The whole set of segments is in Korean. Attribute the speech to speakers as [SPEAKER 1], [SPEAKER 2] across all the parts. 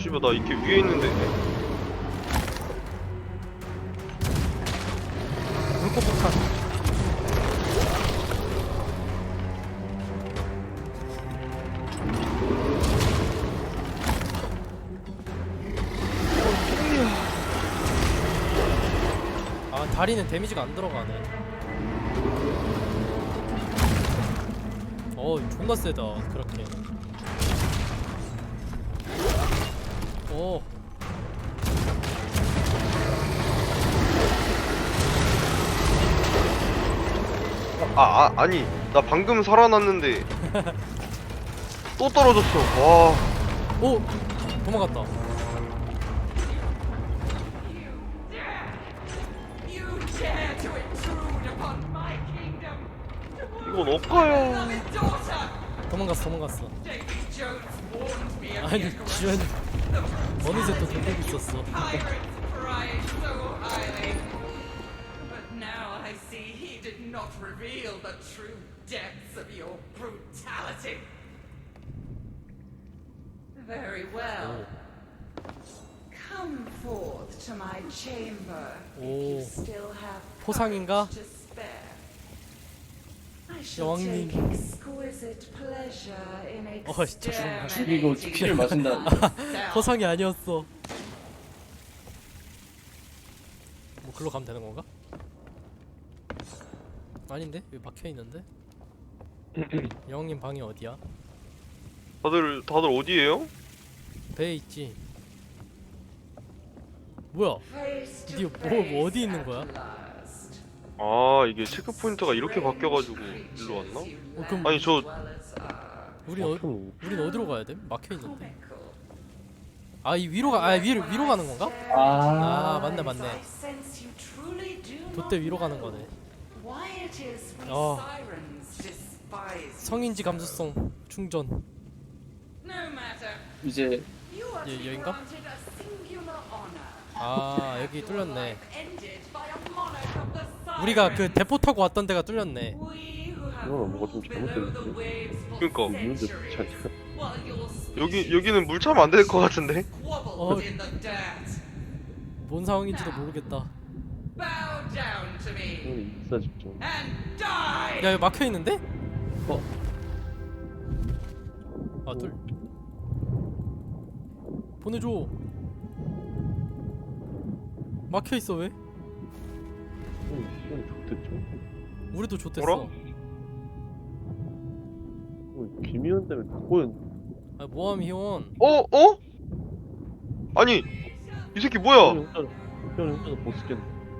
[SPEAKER 1] 씨발 나 이렇게 위에 있는데.
[SPEAKER 2] 불꽃 폭탄. 아, 다리는 데미지가 안 들어가네. 존나 세다. 그렇게.
[SPEAKER 1] 아니 나 방금 살아났는데 또 떨어졌어. 와.
[SPEAKER 2] 오! 도망갔다.
[SPEAKER 1] 이건 억가야.
[SPEAKER 2] 도망갔어. 아니, 지원 어느새 또 돌리고 있었어.
[SPEAKER 3] Not reveal the true depths of your brutality. Very well. Come forth to my chamber if you still have
[SPEAKER 2] 포상인가?
[SPEAKER 3] courage to spare. I shall
[SPEAKER 2] 여왕님.
[SPEAKER 3] take exquisite pleasure in
[SPEAKER 2] 진짜 죽었네.
[SPEAKER 4] 죽이고 피를 마신다.
[SPEAKER 2] 포상이 아니었어. 뭐 글로 가면 되는 건가? 아닌데? 여기 막혀 있는데? 여왕님 방이 어디야?
[SPEAKER 1] 다들 어디에요?
[SPEAKER 2] 배에 있지. 뭐야? 드디어 뭐 어디 있는 거야?
[SPEAKER 1] 아 이게 체크 포인트가 이렇게 바뀌어가지고 일로 왔나?
[SPEAKER 2] 그럼
[SPEAKER 1] 아니 저
[SPEAKER 2] 우린 어디로 가야 돼? 막혀 있는데. 이 위로 가는 건가? 맞네. 돛대 위로 가는 거네. 성인지 감수성 충전.
[SPEAKER 4] 이제
[SPEAKER 2] 여긴가? 여기 뚫렸네. 우리가 그 대포 타고 왔던 데가 뚫렸네.
[SPEAKER 5] 이거는 뭐가 좀 잘못됐는데?
[SPEAKER 1] 그러니까
[SPEAKER 5] 문제 좋지 않냐?
[SPEAKER 1] 여기는 물 차면 안 될 것 같은데?
[SPEAKER 2] 뭔 상황인지도 모르겠다.
[SPEAKER 5] 이거는 인싸 집중.
[SPEAKER 2] 야, 여기 막혀 있는데? 보내줘. 막혀 있어 왜?
[SPEAKER 5] 이건 좋댔죠?
[SPEAKER 2] 우리도 좋댔어.
[SPEAKER 1] 뭐라?
[SPEAKER 5] 김희원 때문에 다 꼬였네.
[SPEAKER 2] 모함 희원.
[SPEAKER 1] 어? 아니 이 새끼 뭐야?
[SPEAKER 5] 혼자서 보스겠네.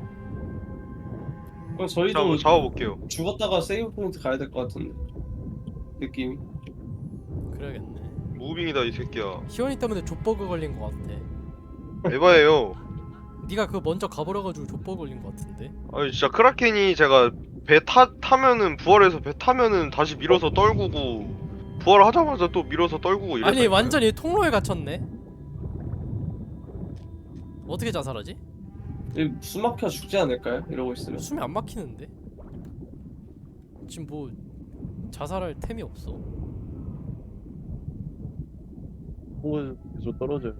[SPEAKER 4] 그럼 저희도
[SPEAKER 1] 잡아볼게요.
[SPEAKER 4] 죽었다가 세이브 포인트 가야 될 것 같은데 느낌이.
[SPEAKER 2] 그래야겠네.
[SPEAKER 1] 무빙이다 이 새끼야.
[SPEAKER 2] 희원이 때문에 족버그 걸린 것 같아.
[SPEAKER 1] 에바예요.
[SPEAKER 2] 네가 그 먼저 가버려가지고 족버그 걸린 것 같은데.
[SPEAKER 1] 아니 진짜 크라켄이 제가 배 타면은 부활해서 배 타면은 다시 밀어서 떨구고 부활하자마자 또 밀어서 떨구고 이랬다.
[SPEAKER 2] 아니 완전히 통로에 갇혔네. 어떻게 자살하지?
[SPEAKER 4] 숨 막혀 죽지 않을까요? 이러고 있으면.
[SPEAKER 2] 숨이 안 막히는데? 지금 뭐 자살할 템이 없어.
[SPEAKER 5] 통에서 계속 떨어져요.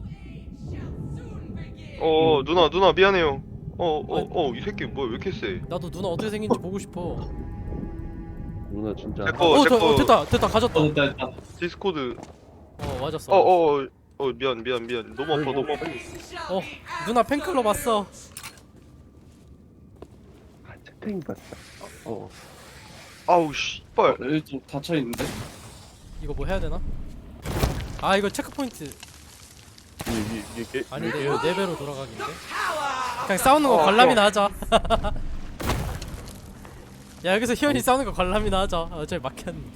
[SPEAKER 1] 누나 미안해요. 이 새끼 뭐야 왜 이렇게 세?
[SPEAKER 2] 나도 누나 어떻게 생긴지 보고 싶어.
[SPEAKER 5] 누나 진짜.
[SPEAKER 1] 제거
[SPEAKER 2] 됐다 가졌다.
[SPEAKER 4] 됐다.
[SPEAKER 1] 디스코드.
[SPEAKER 2] 맞았어.
[SPEAKER 1] 미안 너무 아파.
[SPEAKER 2] 누나 팬클럽 왔어.
[SPEAKER 5] 채팅 봤다.
[SPEAKER 1] 아우 씨발.
[SPEAKER 4] 여기 좀 닫혀 있는데.
[SPEAKER 2] 이거 뭐 해야 되나? 이거 체크포인트
[SPEAKER 5] 이게
[SPEAKER 2] 아닌데 이거 4배로 돌아가기인데? 그냥 싸우는 거 관람이나 하자. 야, 여기서 희원이 싸우는 거 관람이나 하자. 어차피 막혔는데.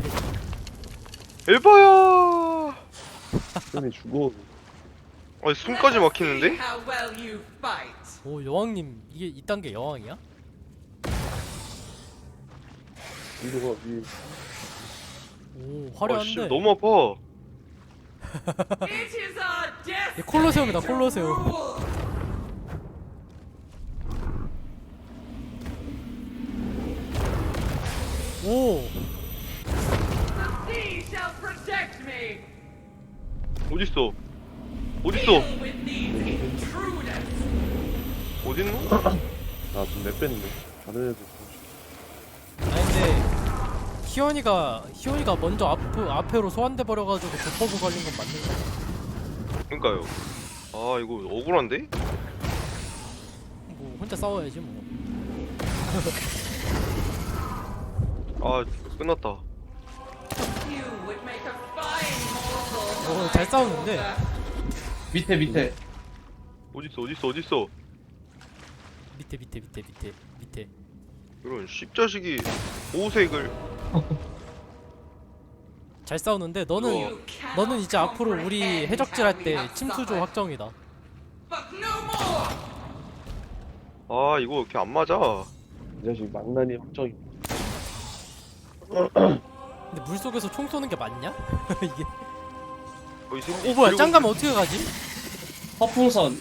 [SPEAKER 1] 에바야.
[SPEAKER 5] 이 죽어.
[SPEAKER 1] 아니 숨까지 막히는데?
[SPEAKER 2] 오, 여왕님 이게 이딴 게 여왕이야?
[SPEAKER 5] 이거가 위.
[SPEAKER 2] 오,
[SPEAKER 1] 씨
[SPEAKER 2] 화려한데.
[SPEAKER 1] 너무 아파.
[SPEAKER 2] 얘 콜로세움이다, 콜로세움. 오,
[SPEAKER 1] 어딨어? 어딨어? 어딨노?
[SPEAKER 5] 나좀 내뺐는데 다른 애들
[SPEAKER 2] 아니 근데 희원이가 먼저 앞으로 소환돼 버려가지고 버퍼그 걸린 건 맞는 거야.
[SPEAKER 1] 그러니까요. 아 이거 억울한데?
[SPEAKER 2] 뭐 혼자 싸워야지 뭐.
[SPEAKER 1] 아 끝났다.
[SPEAKER 3] You would make a fine mortal.
[SPEAKER 2] 잘 싸우는데.
[SPEAKER 4] 밑에.
[SPEAKER 1] 어딨어?
[SPEAKER 2] 밑에.
[SPEAKER 1] 이런 씹자식이 보호색을.
[SPEAKER 2] 잘 싸우는데 너는
[SPEAKER 3] You cannot
[SPEAKER 2] 이제 앞으로 우리
[SPEAKER 3] comprehend
[SPEAKER 2] 해적질 할
[SPEAKER 3] how we
[SPEAKER 2] 때
[SPEAKER 3] have
[SPEAKER 2] 침수조
[SPEAKER 3] suffered.
[SPEAKER 2] 확정이다.
[SPEAKER 3] But no more.
[SPEAKER 1] 아 이거 이렇게 안 맞아.
[SPEAKER 5] 이 자식 망나니 확정이.
[SPEAKER 2] 근데 물 속에서 총 쏘는 게 맞냐? 이게.
[SPEAKER 1] 이 새끼
[SPEAKER 2] 오 뭐야
[SPEAKER 1] 그리고
[SPEAKER 2] 짱 가면 어떻게 가지?
[SPEAKER 4] 허풍선.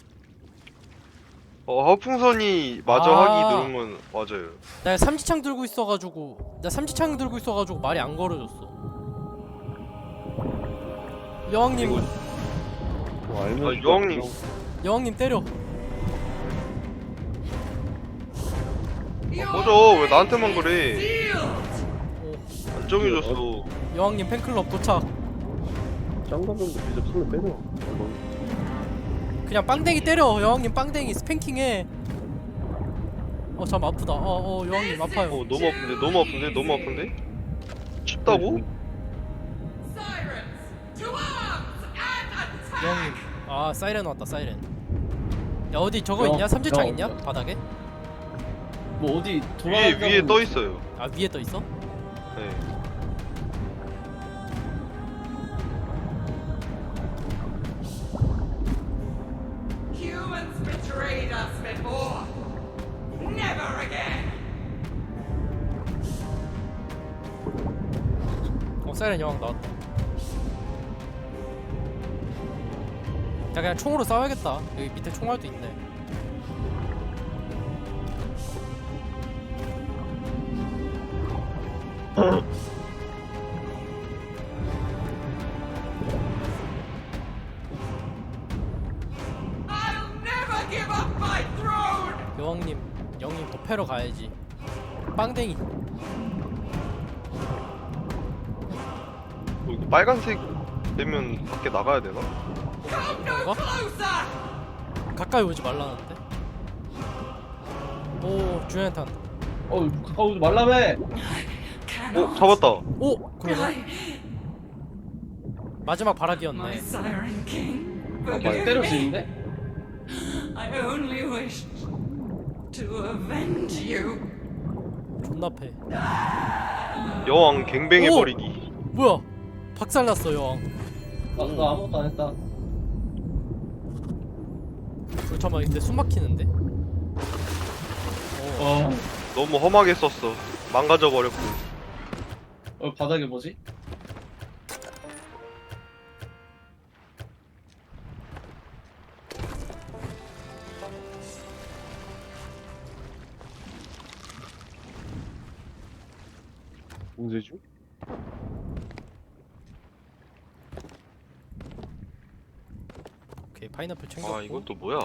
[SPEAKER 1] 허풍선이 마저
[SPEAKER 2] 아.
[SPEAKER 1] 하기 누른 건 맞아요.
[SPEAKER 2] 나 삼지창 들고 있어가지고 말이 안 걸어졌어. 여왕님
[SPEAKER 1] 이거-
[SPEAKER 5] 뭐 알면.
[SPEAKER 1] 아, 여왕님.
[SPEAKER 2] 여왕님 때려.
[SPEAKER 1] 꺼져 왜 나한테만 그래?
[SPEAKER 3] Sealed.
[SPEAKER 2] 오,
[SPEAKER 1] 안 정해졌어.
[SPEAKER 2] 여왕님 팬클럽 도착.
[SPEAKER 5] 짱가면도 진짜 손을 빼려.
[SPEAKER 2] 그냥 빵댕이 때려. 여왕님 빵댕이 스팽킹해. 참 아프다. 여왕님 아파요.
[SPEAKER 1] 너무 아픈데? 춥다고?
[SPEAKER 3] Sirens, to arms and attack.
[SPEAKER 2] 여왕님 사이렌 왔다 사이렌. 야 어디 저거 있냐?
[SPEAKER 4] 영,
[SPEAKER 2] 삼지창
[SPEAKER 4] 영.
[SPEAKER 2] 있냐? 바닥에?
[SPEAKER 4] 뭐 어디
[SPEAKER 1] 위에 떠 있어요.
[SPEAKER 2] 아 위에 떠 있어?
[SPEAKER 1] 네.
[SPEAKER 3] Humans betrayed us before. Never again.
[SPEAKER 2] 사이렌 여왕 나왔다. 야 그냥 총으로 싸워야겠다. 여기 밑에 총알도 있네.
[SPEAKER 3] I'll never give up my throne.
[SPEAKER 2] 영님 더 패러 가야지. 빵댕이.
[SPEAKER 1] 이거 빨간색 되면 밖에 나가야 되나?
[SPEAKER 3] Come no
[SPEAKER 2] 뭔가?
[SPEAKER 3] closer.
[SPEAKER 2] 가까이 오지 말라는데. 오 주연탄.
[SPEAKER 4] 가까우지 말라며.
[SPEAKER 3] Cannot.
[SPEAKER 1] 잡았다.
[SPEAKER 2] 오 그러네. 마지막
[SPEAKER 3] My
[SPEAKER 2] 바라기였네.
[SPEAKER 3] Siren King.
[SPEAKER 4] 계속
[SPEAKER 3] Forgive
[SPEAKER 4] 때릴 수
[SPEAKER 3] me.
[SPEAKER 4] 있는데?
[SPEAKER 3] I only wished to avenge you.
[SPEAKER 2] 존나 패.
[SPEAKER 1] 여왕 갱뱅해버리기.
[SPEAKER 2] 뭐야? 박살났어 여왕.
[SPEAKER 4] 나 아무것도 안 했다.
[SPEAKER 2] 잠깐만 근데 숨 막히는데?
[SPEAKER 1] 너무 험하게 썼어. 망가져버렸고.
[SPEAKER 4] 바닥에 뭐지?
[SPEAKER 5] 봉쇄주?
[SPEAKER 2] 오케이 파인애플 챙겼고.
[SPEAKER 1] 아 이건 또 뭐야?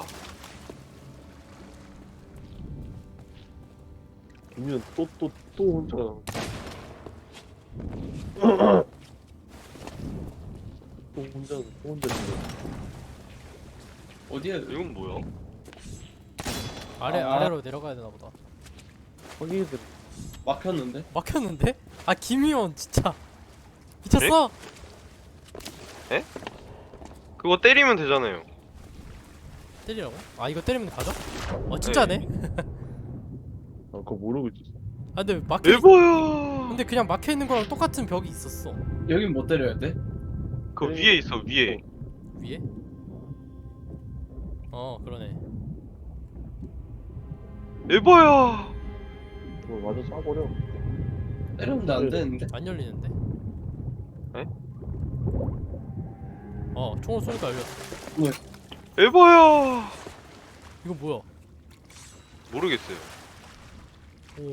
[SPEAKER 5] 김윤 또 혼자. 또 혼자 죽어.
[SPEAKER 4] 어디에?
[SPEAKER 1] 이건 뭐야?
[SPEAKER 2] 아래로 내려가야 되나 보다.
[SPEAKER 5] 거기들
[SPEAKER 4] 막혔는데?
[SPEAKER 2] 막혔는데? 아 김희원 진짜 미쳤어?
[SPEAKER 1] 그거 때리면 되잖아요.
[SPEAKER 2] 때리라고? 아 이거 때리면 가져? 진짜네?
[SPEAKER 5] 그거 모르고 있었어.
[SPEAKER 2] 아 근데 막혀
[SPEAKER 1] 에버야.
[SPEAKER 2] 근데 그냥 막혀있는 거랑 똑같은 벽이 있었어.
[SPEAKER 4] 여긴 못 때려야 돼?
[SPEAKER 1] 그 위에 있어 위에.
[SPEAKER 2] 위에? 그러네.
[SPEAKER 1] 에버야.
[SPEAKER 5] 그거 맞아 쏴버려.
[SPEAKER 4] 때렸는데 안 되는데?
[SPEAKER 2] 안 열리는데?
[SPEAKER 1] 에?
[SPEAKER 2] 총을 쏘니까 열렸어.
[SPEAKER 1] 에버야.
[SPEAKER 2] 이거 뭐야?
[SPEAKER 1] 모르겠어요.
[SPEAKER 2] 오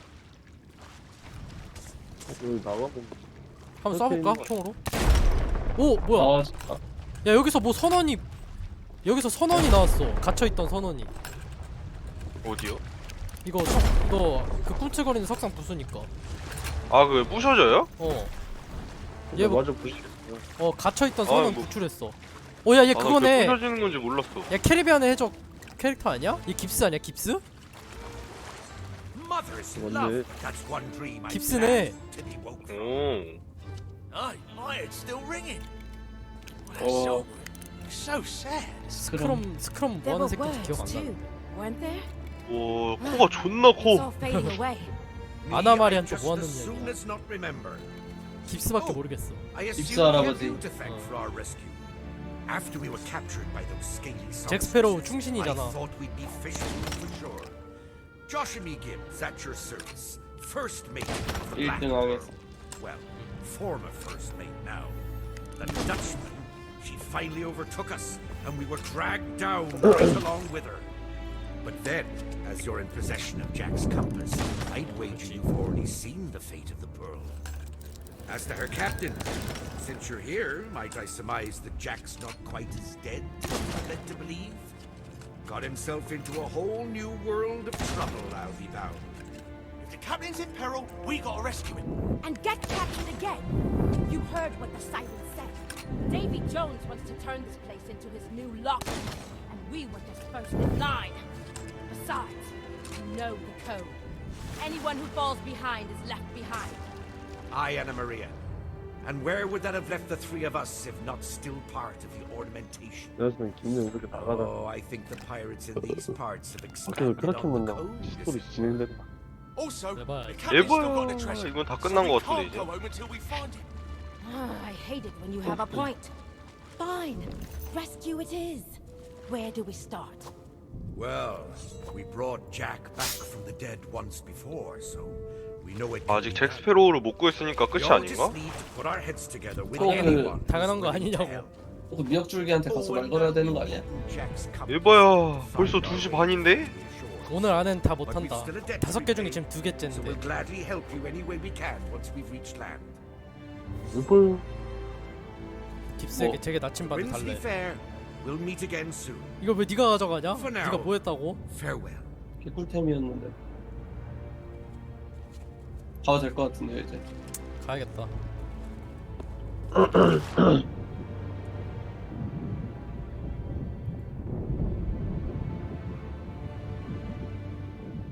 [SPEAKER 5] 여기 나가면
[SPEAKER 2] 한번 쏴볼까? 총으로? 오 뭐야?
[SPEAKER 4] 아 진짜.
[SPEAKER 2] 야 여기서 뭐 선원이 여기서 선원이 나왔어. 갇혀있던 선원이.
[SPEAKER 1] 어디요?
[SPEAKER 2] 이거 그 꿈틀거리는 석상 부수니까.
[SPEAKER 1] 아 그게 부셔져요?
[SPEAKER 2] 얘 뭐-
[SPEAKER 5] 맞아 부시겠어.
[SPEAKER 2] 갇혀있던
[SPEAKER 1] 아,
[SPEAKER 2] 선원
[SPEAKER 1] 뭐-
[SPEAKER 2] 구출했어. 오야 얘
[SPEAKER 1] 아, 나
[SPEAKER 2] 그거네.
[SPEAKER 1] 부셔지는 건지 몰랐어.
[SPEAKER 2] 야 캐리비안의 해적 캐릭터 아니야? 얘 깁스 아니야 깁스?
[SPEAKER 6] Mother's
[SPEAKER 5] One
[SPEAKER 6] love.
[SPEAKER 5] minute.
[SPEAKER 6] That's one dream I
[SPEAKER 2] 깁스네.
[SPEAKER 6] planned to be woke from.
[SPEAKER 1] 오.
[SPEAKER 6] Aye, my head's still ringing.
[SPEAKER 4] 어.
[SPEAKER 6] So sad.
[SPEAKER 2] 스크럼
[SPEAKER 7] There
[SPEAKER 2] 뭐하는
[SPEAKER 7] were
[SPEAKER 2] 새끼인지 기억
[SPEAKER 7] words
[SPEAKER 2] 안
[SPEAKER 7] too,
[SPEAKER 2] 나네.
[SPEAKER 7] weren't there?
[SPEAKER 1] 오 코가 존나
[SPEAKER 7] It's all
[SPEAKER 1] 커.
[SPEAKER 7] fading away.
[SPEAKER 2] 아나마리한테
[SPEAKER 6] just
[SPEAKER 2] 뭐 하는
[SPEAKER 6] as soon
[SPEAKER 2] 얘기야?
[SPEAKER 6] as not remember.
[SPEAKER 2] 깁스밖에 모르겠어.
[SPEAKER 6] I
[SPEAKER 4] 깁스
[SPEAKER 6] assume you have
[SPEAKER 4] 할아버지.
[SPEAKER 6] you to thank for our rescue. After we were captured by those scaly
[SPEAKER 2] 잭 스페로우
[SPEAKER 6] saucers,
[SPEAKER 2] 충신이잖아.
[SPEAKER 6] I thought we'd be fishing for sure. Josh and me Gibbs at your service. First mate of the Black
[SPEAKER 4] 1등
[SPEAKER 6] Pearl.
[SPEAKER 4] 하겠어.
[SPEAKER 6] Well, former first mate now. The Dutchman. She finally overtook us, and we were dragged down right along with her. But then, as you're in possession of Jack's compass, I'd wager you've already seen the fate of the Pearl. As to her captain, since you're here, might I surmise that Jack's not quite as dead as you're led to believe? Got himself into a whole new world of trouble, I'll be bound. If the captain's in peril, we gotta rescue him.
[SPEAKER 7] And get captured again. You heard what the siren said. Davy Jones wants to turn this place into his new locker, and we were just first in line. Besides, you know the code. Anyone who falls behind is left behind.
[SPEAKER 6] Aye, Anna Maria. And where would that have left the three of us if not still part of the ornamentation?
[SPEAKER 5] 그래서 김영 이렇게 나가다.
[SPEAKER 6] Oh, I think the pirates in these parts have
[SPEAKER 5] 그래서
[SPEAKER 6] expanded
[SPEAKER 5] 그렇게
[SPEAKER 6] on
[SPEAKER 5] 못
[SPEAKER 6] the
[SPEAKER 5] 나가.
[SPEAKER 6] code.
[SPEAKER 5] 스토리 진행된다.
[SPEAKER 6] Also,
[SPEAKER 2] 내봐.
[SPEAKER 6] the captain's still got the
[SPEAKER 1] 예보야
[SPEAKER 6] treasure.
[SPEAKER 1] 이건 다 끝난 거
[SPEAKER 6] So we
[SPEAKER 1] 같은데
[SPEAKER 6] can't
[SPEAKER 1] 이제.
[SPEAKER 6] go home until we find it.
[SPEAKER 7] I hate it when you have a point. Fine. Rescue it is. Where do we start?
[SPEAKER 6] Well, we brought Jack back from the dead once before, so we know it.
[SPEAKER 1] 아직 잭 스페로우를 못 구했으니까 끝이
[SPEAKER 6] We all
[SPEAKER 1] 아닌가?
[SPEAKER 6] just need to put our heads together with
[SPEAKER 4] 그거
[SPEAKER 6] anyone who's
[SPEAKER 2] 당연한 거
[SPEAKER 6] willing to
[SPEAKER 2] 아니냐고.
[SPEAKER 6] help.
[SPEAKER 4] 또 미역줄기한테 가서 말 걸어야 되는 거 아니야?
[SPEAKER 6] Jack's compass.
[SPEAKER 1] 예보야 벌써 2시 반인데?
[SPEAKER 2] 오늘 안엔 다
[SPEAKER 6] But we've
[SPEAKER 2] 못한다.
[SPEAKER 6] still a debt
[SPEAKER 2] 5개
[SPEAKER 6] to
[SPEAKER 2] 중에
[SPEAKER 6] repay,
[SPEAKER 2] 지금
[SPEAKER 6] So we'll
[SPEAKER 2] 2개째인데.
[SPEAKER 6] gladly help you any way we can once we've reached land.
[SPEAKER 5] 이걸
[SPEAKER 2] 깁스에게
[SPEAKER 4] 뭐.
[SPEAKER 2] 되게 나침반을
[SPEAKER 6] Grimsby
[SPEAKER 2] 달래.
[SPEAKER 6] Fair. We'll meet again soon.
[SPEAKER 2] 이걸 왜 네가 가져가냐?
[SPEAKER 6] For now.
[SPEAKER 2] 네가 뭐 했다고?
[SPEAKER 6] Farewell.
[SPEAKER 4] 개꿀템이었는데. 가도 될 것 같은데 이제.
[SPEAKER 2] 가야겠다.